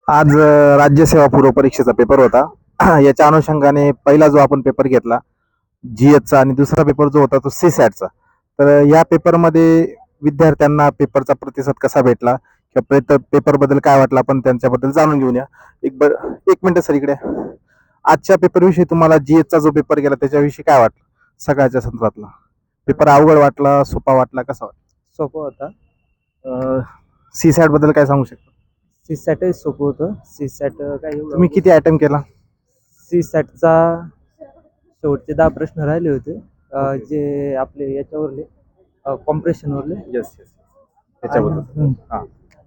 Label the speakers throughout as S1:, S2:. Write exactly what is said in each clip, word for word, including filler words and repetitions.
S1: आज अ, राज्यसेवा पूर्व परीक्षेचा पेपर होता. याच्या अनुषंगाने पहिला जो आपण पेपर घेतला जीएसचा आणि दुसरा पेपर जो होता तो सी सॅटचा. तर या पेपरमध्ये विद्यार्थ्यांना पेपरचा प्रतिसाद कसा भेटला किंवा पेपर बद्दल काय वाटलं आपण त्यांच्याबद्दल जाणून घेऊया. एक ब एक मिनिट सर इकडे. आजच्या पेपर विषयी तुम्हाला जीएसचा जो पेपर गेला त्याच्याविषयी काय वाटलं? सकाळच्या सत्रातला पेपर अवघड वाटला, सोपा वाटला, कसा वाटला?
S2: सोपं होता.
S1: सी सॅट बद्दल काय सांगू शकता?
S2: सी सॅटही सोपं होतं. सी सॅट काय एवढं
S1: तुम्ही किती अटेम्प्ट केला?
S2: सी सॅटचा शेवटचे दहा प्रश्न राहिले होते, अ, जे आपले याच्यावरले कॉम्प्रेशनवरले.
S1: येस येस त्याच्याबद्दल
S2: हम्म.
S1: हा.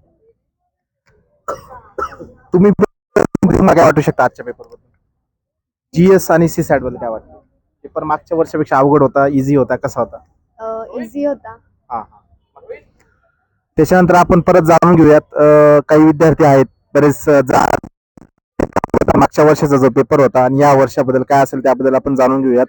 S1: तुम्ही तुम्हाला काय वाटू शकता आजच्या पेपर बद्दल? जीएस आणि सी सॅट बद्दल काय वाटतं? पेपर मागच्या वर्षापेक्षा अवघड होता, इझी होता, कसा होता?
S3: इझी होता.
S1: हा हा. त्याच्यानंतर आपण परत जाणून घेऊयात. अ, काही विद्यार्थी आहेत बरेच अ, जा- मागच्या वर्षाचा जो पेपर होता आणि या वर्षाबद्दल काय असेल त्याबद्दल आपण जाणून घेऊयात.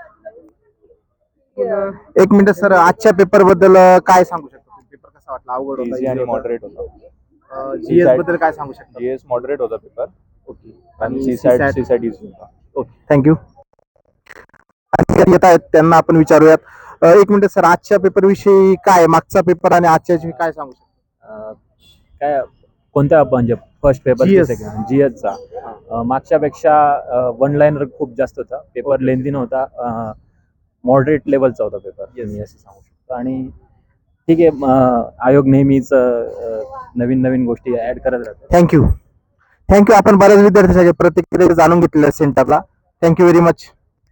S1: एक मिनिट सर, आजच्या पेपर बद्दल अ, काय सांगू शकता? पेपर कसा वाटला? अवघड होता,
S4: इझी
S1: easy
S4: आणि
S1: होता?
S4: मॉडरेट होता.
S1: जीएस बद्दल काय सांगू शकता?
S4: जीएस मॉडरेट होता पेपर
S1: ओके.
S4: आणि
S1: आणि
S4: C
S1: C
S4: SAT
S1: SAT?
S4: C SAT easy होता.
S1: Okay, thank you. येत आहेत त्यांना आपण विचारूयात. अ, एक मिनिट सर, आजच्या पेपर विषयी काय, मागचा पेपर आणि आजच्या विषयी काय सांगू शकता?
S2: अ, काय कोणत्या म्हणजे first paper
S1: G S.
S2: Second जीएसचा मागच्यापेक्षा वन लाईनर खूप जास्त होता. Paper
S1: Okay.
S2: लेंदी नव्हता. मॉडरेट लेवलचा होता पेपर,
S1: Yes.
S2: मी असं सांगू शकतो. आणि ठीक आहे, अ, आयोग नेहमीच अ, नवीन नवीन गोष्टी ऍड करत राहतो.
S1: थँक्यू. थँक्यू. आपण बऱ्याच विद्यार्थ्यांच्या प्रतिक्रिया जाणून घेतलेल्या सेंटरला. Thank you very much.